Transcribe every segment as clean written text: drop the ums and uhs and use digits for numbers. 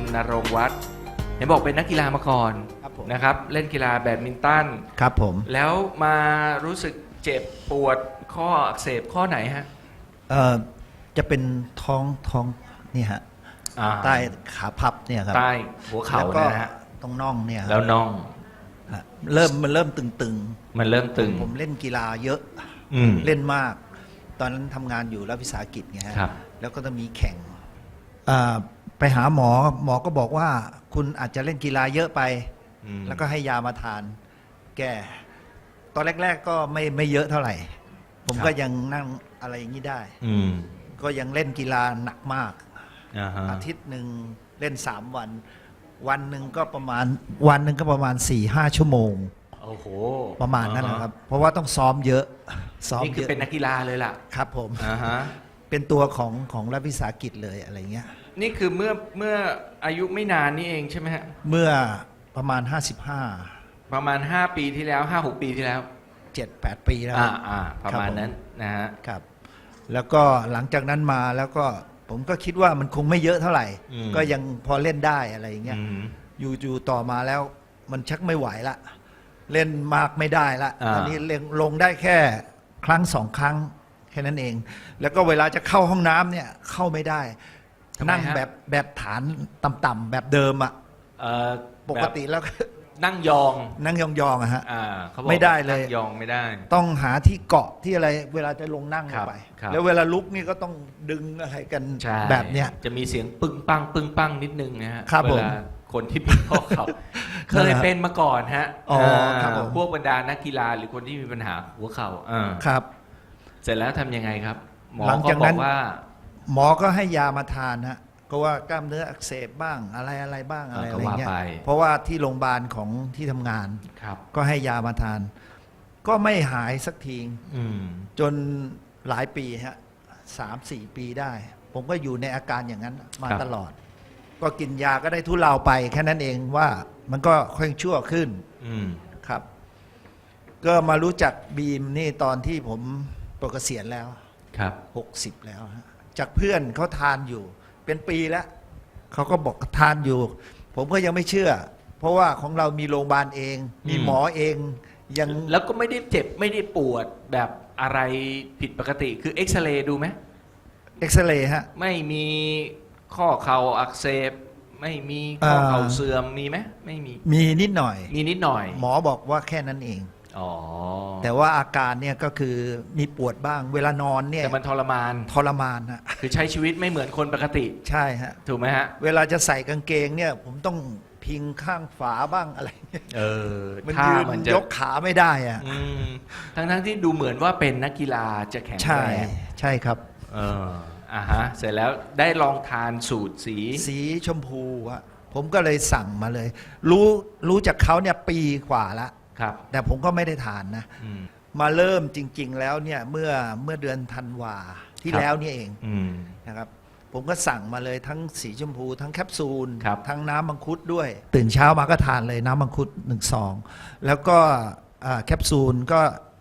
ณรงค์วัฒน์เห็นบอกเป็นนักกีฬามาก่อนครับผมนะครับเล่นกีฬาแบดมินตันครับผมแล้วมารู้สึกเจ็บปวดข้ออักเสบข้อไหนฮะจะเป็นท้องนี่ฮะอ่าใต้ขาพับเนี่ยครับใต้หัวเข่าแล้วก็นะฮะตรงน่องเนี่ยครับแล้วน่องฮะมันเริ่มตึงมันเริ่มตึงผมเล่นกีฬาเยอะอืมเล่นมาก ตอนนั้นทำงานอยู่รัฐวิสาหกิจไงฮะครับแล้วก็จะมีแข่งไปหาหมอก็บอกว่าคุณอาจจะเล่นกีฬาเยอะไปอืมแล้วก็ให้ยามาทาน แก้ตอนแรก ๆ ก็ไม่เยอะเท่าไหร่ ผมก็ยังนั่งอะไรอย่างนี้ได้อืมก็ยังเล่นกีฬาหนักมากอ่าฮะอาทิตย์หนึ่งเล่น3 วัน วันหนึ่งก็ประมาณ 4-5 ชั่วโมงโอ้โหประมาณนั้นนะครับ เพราะว่าต้องซ้อมเยอะซ้อมนี่คืเยออะเป็นนักกีฬาเลยล่ะครับผมอ่าฮะเป็นตัวของรัฐวิสาหกิจเลยอะไรเงี้ยนี่คือเมื่ออายุไม่นานนี่เองใช่ไหมฮะเมื่อประมาณประมาณ 5 ปีที่แล้ว 5-6 ปีที่แล้ว 55 7-8 ปีแล้วประมาณนั้นนะฮะครับ แล้วก็หลังจากนั้นมาแล้วก็ผมก็คิดว่ามันคงไม่เยอะเท่าไหร่อืมก็ยังพอเล่นได้อะไรอย่างเงี้ยอืมอยู่ต่อมาแล้วมันชักไม่ไหวละ เล่นมากไม่ได้ละอ่าตอนนี้เล่นลงได้แค่ครั้ง2 ครั้งแค่นั้นเอง แล้วก็เวลาจะเข้าห้องน้ำเนี่ยเข้าไม่ได้ทำไมนั่งฮะแบบฐานต่ำๆแบบเดิมอะเอ่อปกติแล้วก็นั่งยองนั่งยองๆอะฮะเขาบอกไม่ได้เลยนั่งยองไม่ได้ต้องหาที่เกาะที่อะไรเวลาจะลงนั่งลครังบไปครับแล้วเวลาลุกนี่ก็ต้องดึงอะไรกันใช่แบบเนี้ยจะมีเสียงปึ้งปังปึ้งปังนิดนึงนะฮะครับเวผมลาคนที่เป็นข้อเข่าเคยเป็นมาก่อนฮะอ๋อครับผมพวกบรรดานักกีฬาหรือคนที่มีปัญหาหัวเข่าครับเสร็จแล้วทำยังไงครับ หมอหลังก็จากบนั้อน กว่าหมอก็ให้ยามาทานฮะก็ว่ากล้ามเนื้ออักเสบบ้างอะไรบ้างอะไรก็อะไรว่าเงี้ยไปเพราะว่าที่โรงพยาบาลของที่ทำงานครับก็ให้ยามาทาน ก็ไม่หายสักทีอืมจนหลายปีฮะ3-4 ปีได้ ผมก็อยู่ในอาการอย่างนั้นมาตลอด ก็กินยาก็ได้ทุเลาไปแค่นั้นเองว่ามันก็ค่อยชั่วขึ้นอืมครับ ก็มารู้จักบีมนี่ตอนที่ผมปลดเกษียณแล้วครับ 60 แล้วฮะจากเพื่อนเขาทานอยู่ เป็นปีแล้วเขาก็บอกทานอยู่ ผมก็ยังไม่เชื่อ เพราะว่าของเรามีโรงพยาบาลเอง มีหมอเองยังแล้วก็ไม่ได้เจ็บไม่ได้ปวดแบบอะไรผิดปกติคือเอ็กซเรย์ดูไหมเอ็กซเรย์ฮะไม่มีข้อเข่าอักเสบ ไม่มีข้อเข่าเสื่อมมีไหมไม่มีมีนิดหน่อยมีนิดหน่อยหมอบอกว่าแค่นั้นเองอ๋อแต่ว่าอาการเนี่ยก็คือมีปวดบ้าง เวลานอนเนี่ยแต่มันทรมานทรมานฮะคือใช้ชีวิตไม่เหมือนคนปกติใช่ฮะถูกไหมฮะเวลาจะใส่กางเกงเนี่ย ผมต้องพิงข้างฝาบ้างอะไรเงี้ยเออมันถ้ายืนมันจะยกขาไม่ได้อะอืมทั้งที่ดูเหมือนว่าเป็นนักกีฬาจะแข็งใช่แรงใช่ครับเออฮะ เสร็จแล้วได้ลองทานสูตรสีสีชมพูอะผมก็เลยสั่งมาเลย รู้จากเขาเนี่ยปีกว่าละครับแต่ผมก็ไม่ได้ทานนะอืมมาเริ่มจริง ๆ แล้วเนี่ยเมื่อเดือนธันวาที่ครับแล้วนี่เองอืมนะครับ ผมก็สั่งมาเลยทั้งสีชมพู ทั้งแคปซูลครับทั้งน้ำมังคุดด้วย ตื่นเช้ามาก็ทานเลยน้ำมังคุด1 ซอง แล้วก็แคปซูลก็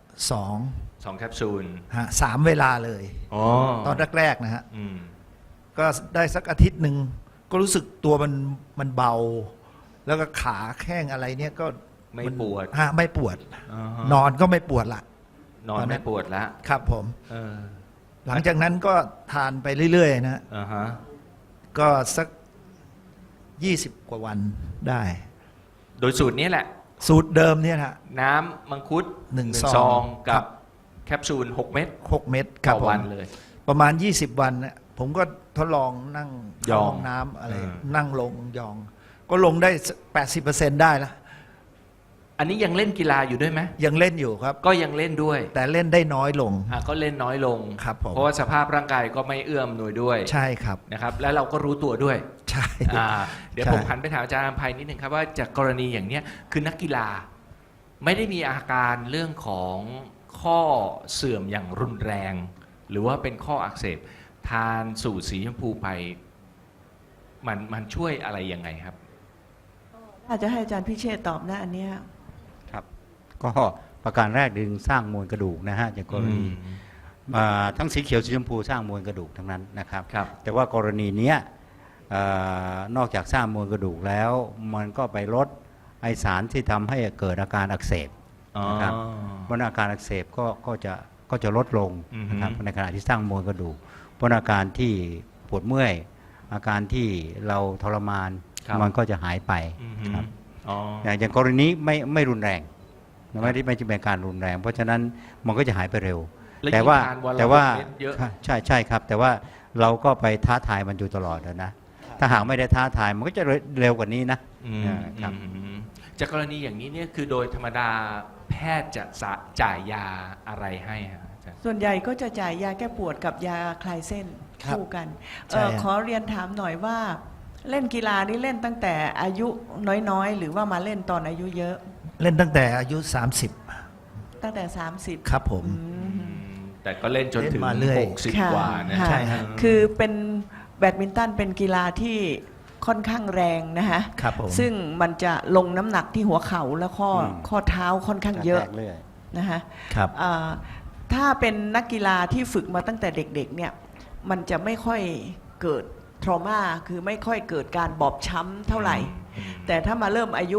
2 2 แคปซูลฮะ3 เวลาเลยอ๋อตอนแรกๆนะฮะอืมก็ได้สักอาทิตย์หนึ่งก็รู้สึกตัวมันเบา แล้วก็ขาแข้งอะไรเนี่ยก็ไม่ปวดฮะไม่ปวดอ่าฮะนอนก็ไม่ปวดละนอนไม่ปวดละครับผมเออหลังจากนั้นก็ทานไปเรื่อยๆนะฮะอ่าฮะก็สัก20 กว่าวันได้โดยสูตรนี้แหละสูตรเดิมเนี่ยฮะน้ำมังคุดหนึ่งซซออง งกัครับ บแคปซูล 6 เม็ด 6 เม็ดคต่รับอผมวันเลยประมาณ 20 วันนะผมก็ทดลองนั่งยองเข้าห้องน้ำอะไรเออนั่งลงยอง ก็ลงได้ 80%ได้แล้วอันนี้ยังเล่นกีฬาอยู่ด้วยไหมยังเล่นอยู่ครับก็ยังเล่นด้วยแต่เล่นได้น้อยลงก็เล่นน้อยลงครับผมเพราะว่าสภาพร่างกายก็ไม่เอื้อมหน่วยด้วยใช่ครับนะครับ แล้วเราก็รู้ตัวด้วยใช่เดี๋ยวใช่ผมหันไปถามอาจารย์อภัยนิดหนึ่งครับว่าจากกรณีอย่างเนี้ยคือนักกีฬาไม่ได้มีอาการเรื่องของข้อเสื่อมอย่างรุนแรง หรือว่าเป็นข้ออักเสบทานสูตรสีชมพูไปมันช่วยอะไรยังไงครับอาจจะให้อาจารย์พิเชษฐ์ตอบนะอันเนี้ยครับก็ประการแรกดึงสร้างมวลกระดูกนะฮะจากกรณีทั้งสีเขียวสีชมพูสร้างมวลกระดูกทั้งนั้นนะครับครับแต่ว่ากรณีเนี้ยนอกจากสร้างมวลกระดูกแล้ว มันก็ไปลดไอสารที่ทำให้เกิดอาการอักเสบ นะครับ เพราะอาการอักเสบก็จะลดลงนะครับในขณะที่สร้างมวลกระดูกเพราะอาการที่ปวดเมื่อยอาการที่เราทรมานครับมันก็จะหายไปครับอ๋ออย่างกรณีไม่รุนแรงไม่ได้เป็นการรุนแรง เพราะฉะนั้นมันก็จะหายไปเร็วแล้วแต่ว่ายิ่งทานวันละแต่ว่าเม็ดเยอะใช่ครับ แต่ว่าเราก็ไปท้าทายมันอยู่ตลอดนะถ้าหากไม่ได้ท้าทายมันก็จะเร็วกว่านี้นะ ครับจากกรณีอย่างนี้เนี่ยคือโดยธรรมดาแพทย์จะจ่ายยาอะไรให้ฮะอาจารย์ส่วนใหญ่ก็จะจ่ายยาแก้ปวดกับยาคลายเส้นครับคู่กันใช่ฮะขอเรียนถามหน่อยว่าเล่นกีฬานี่เล่นตั้งแต่อายุน้อยๆ หรือว่ามาเล่นตอนอายุเยอะเล่นตั้งแต่อายุตั้งแต่ 30 30 ครับผมแต่ก็เล่นจนถึงเล่นมาเรื่อยค่ะ 60 กว่านะค่ะใช่ฮะคือเป็นแบดมินตันเป็นกีฬาที่ค่อนข้างแรงนะฮะครับผมซึ่งมันจะลงน้ำหนักที่หัวเข่าและข้อเท้าค่อนข้างเยอะแตกเรื่อยนะฮะครับถ้าเป็นนักกีฬาที่ฝึกมาตั้งแต่เด็กๆเนี่ยมันจะไม่ค่อยเกิดทรมาคือไม่ค่อยเกิดการบอบช้ำเท่าไหร่ แต่ถ้ามาเริ่มอายุ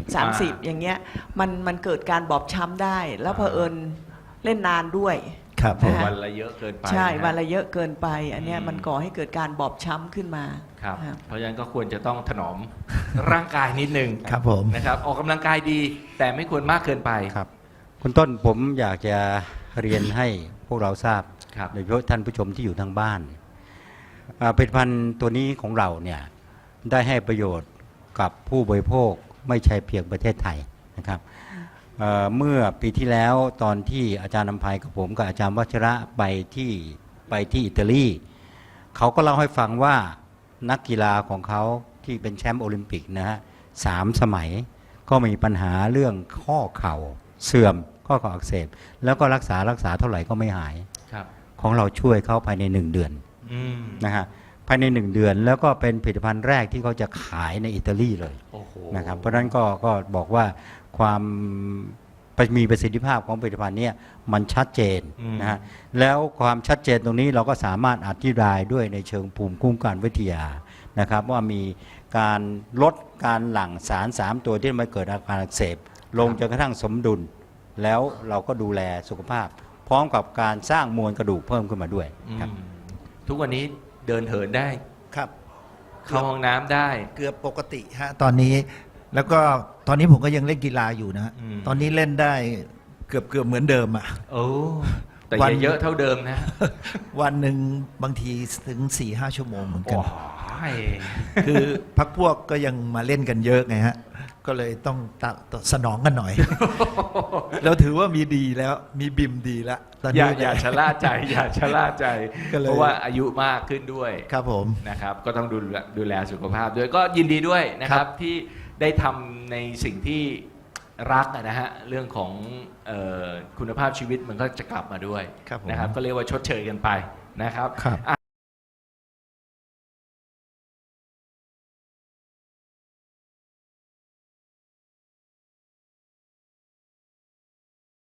30 อย่างเงี้ยมันเกิดการบอบช้ำได้ แล้วเผอิญเล่นนานด้วยครับผมนะฮะวันละเยอะเกินไปใช่ะวันละเยอะเกินไป อันเนี้ยอืมมันก่อให้เกิดการบอบช้ำขึ้นมาครับครับเพราะฉะนั้นก็ควรจะต้องถนอม ร่างกายนิดนึงครับผมนะครับ ออกกำลังกายดี แต่ไม่ควรมากเกินไปครับคุณต้นผมอยากจะเรียนให้พวกเราทราบครับโดยเฉพาะท่านผู้ชมที่อยู่ทางบ้านผลิตภัณฑ์ตัวนี้ของเราเนี่ยได้ให้ประโยชน์กับผู้บริโภคไม่ใช่เพียงประเทศไทยนะครับเมื่อปีที่แล้วตอนที่อาจารย์นำภัยกับผมกับอาจารย์วัชระไปที่อิตาลีเขาก็เล่าให้ฟังว่านักกีฬาของเขาที่เป็นแชมป์โอลิมปิกนะฮะ3 สมัยก็มีปัญหาเรื่องข้อเข่าเสื่อมข้อเข่าอักเสบแล้วก็รักษาเท่าไหร่ก็ไม่หายครับของเราช่วยเขาภายใน1 เดือนอืมนะฮะภายใน1 เดือนแล้วก็เป็นผลิตภัณฑ์แรกที่เขาจะขายในอิตาลีเลยโอ้โหนะครับเพราะฉะนั้นก็บอกว่าความมีประสิทธิภาพของผลิตภัณฑ์เนี้มันชัดเจนนะฮะแล้วความชัดเจนตรงนี้เราก็สามารถอธิบายด้วยในเชิงภูมิคุ้มกันวิทยานะครับว่ามีการลดการหลั่งสาร 3 ตัวที่มาเกิดอาการอักเสบลงจนกระทั่งสมดุล แล้วเราก็ดูแลสุขภาพ พร้อมกับการสร้างมวลกระดูกเพิ่มขึ้นมาด้วยครับทุกวันนี้เดินเหินได้ครับเข้าห้องน้ำได้เกือบปกติฮะตอนนี้ แล้วก็ตอนนี้ผมก็ยังเล่นกีฬาอยู่นะอืมตอนนี้เล่นได้เกือบเหมือนเดิมอ่ะโอ้แต่วันอย่าเยอะเท่าเดิมนะวันหนึ่งบางทีถึง 4-5 ชั่วโมงเหมือนกัโอ้นยคือพักพวกก็ยังมาเล่นกันเยอะไงฮะ ก็เลยต้องสนองกันหน่อย แล้วถือว่ามีดีแล้วมีบิมดีแล้วตอนอย่านี้อย่าชะล่าใจ อย่าชะล่าใจก็เลยเพราะว่าอายุมากขึ้นด้วยครับผมนะครับ ก็ต้องดูแลสุขภาพด้วยก็ยินดีด้วยนะคครัรับบ ที่ได้ทำในสิ่งที่รักนะฮะเรื่องของคุณภาพชีวิตมันก็จะกลับมาด้วยครับผมนะครับ ก็เรียกว่าชดเชยกันไปนะครับครับอ่ะ